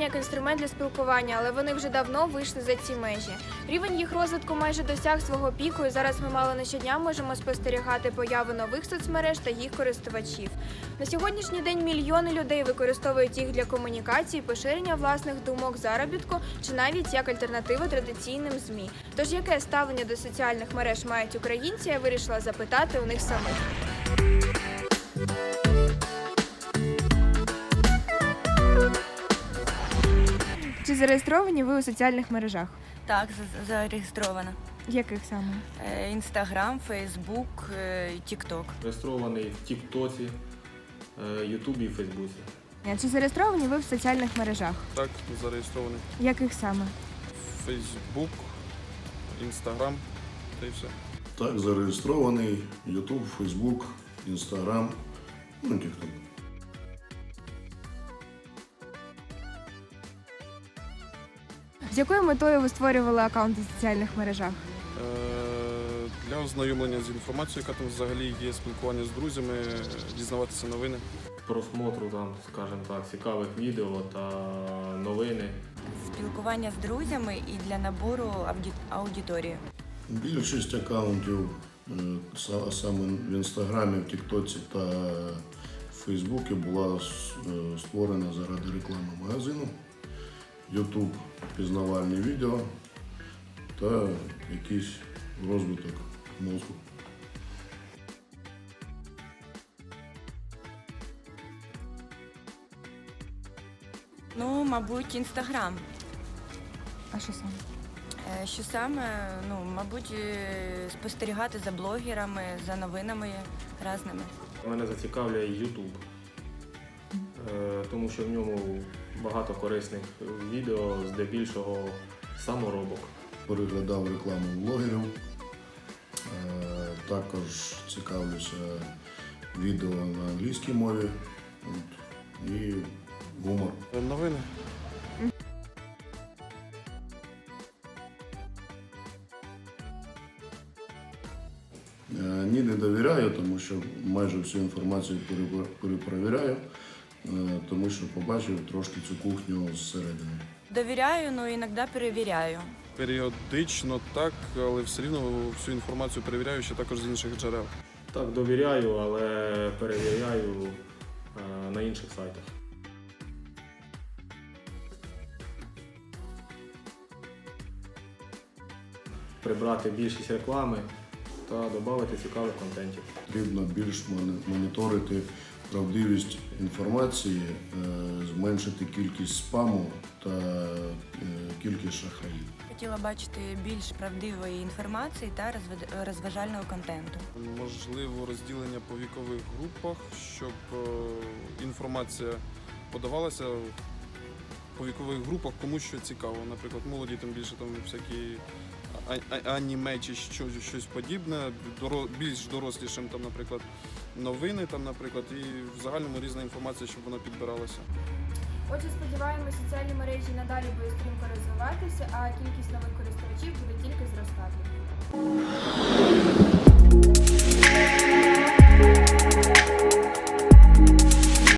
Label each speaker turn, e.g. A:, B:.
A: як інструмент для спілкування, але вони вже давно вийшли за ці межі. Рівень їх розвитку майже досяг свого піку, і зараз ми мало не щодня можемо спостерігати появу нових соцмереж та їх користувачів. На сьогоднішній день мільйони людей використовують їх для комунікації, поширення власних думок, заробітку чи навіть як альтернативу традиційним ЗМІ. Тож яке ставлення до соціальних мереж мають українці, я вирішила запитати у них самих. Чи зареєстровані ви у соціальних мережах?
B: Так, зареєстрована.
A: Яких саме?
B: Інстаграм, Фейсбук, Тікток.
C: Реєстрований в Тіктоці, Ютубі і Фейсбуці.
A: Чи зареєстровані ви в соціальних мережах?
D: Так, зареєстрований.
A: Яких саме?
D: Фейсбук, Інстаграм та й все.
E: Так, зареєстрований YouTube, Facebook, Instagram, TikTok.
A: З якою метою ви створювали аккаунти в соціальних мережах?
D: Для ознайомлення з інформацією, яка там взагалі є, спілкування з друзями, дізнаватися новини.
C: Просмотру там, скажімо так, цікавих відео та новини.
B: Спілкування з друзями і для набору аудиторії.
E: Більшість аккаунтів саме в Інстаграмі, в Тіктоці та в Фейсбуці була створена заради реклами магазину, YouTube – пізнавальні відео та якийсь розвиток мозку.
B: Ну, мабуть, Інстаграм.
A: А що саме?
B: Що саме, мабуть, спостерігати за блогерами, за новинами різними.
C: Мене зацікавляє YouTube, тому що в ньому багато корисних відео, здебільшого саморобок.
E: Переглядав рекламу блогерів, також цікавлюся відео на англійській мові і гумор.
D: Новини.
E: Ні, не довіряю, тому що майже всю інформацію перепровіряю, тому що побачив трошки цю кухню зсередини.
B: Довіряю, але іноді перевіряю.
D: Періодично так, але все рівно всю інформацію перевіряю ще також з інших джерел.
C: Так, довіряю, але перевіряю на інших сайтах. Прибрати більшість реклами та додати цікавих контентів.
E: Потрібно більш моніторити правдивість інформації, зменшити кількість спаму та кількість шахраїв.
B: Хотіла бачити більш правдивої інформації та розважального контенту.
D: Можливо, розділення по вікових групах, щоб інформація подавалася по вікових групах, кому що цікаво. Наприклад, молоді там більше там всякі аніме чи щось подібне, більш дорослішим там, наприклад, новини там, наприклад, і в загальному різна інформація, щоб вона підбиралася.
A: Отже, сподіваємося, соціальні мережі надалі будуть стрімко розвиватися, а кількість нових користувачів буде тільки зростати.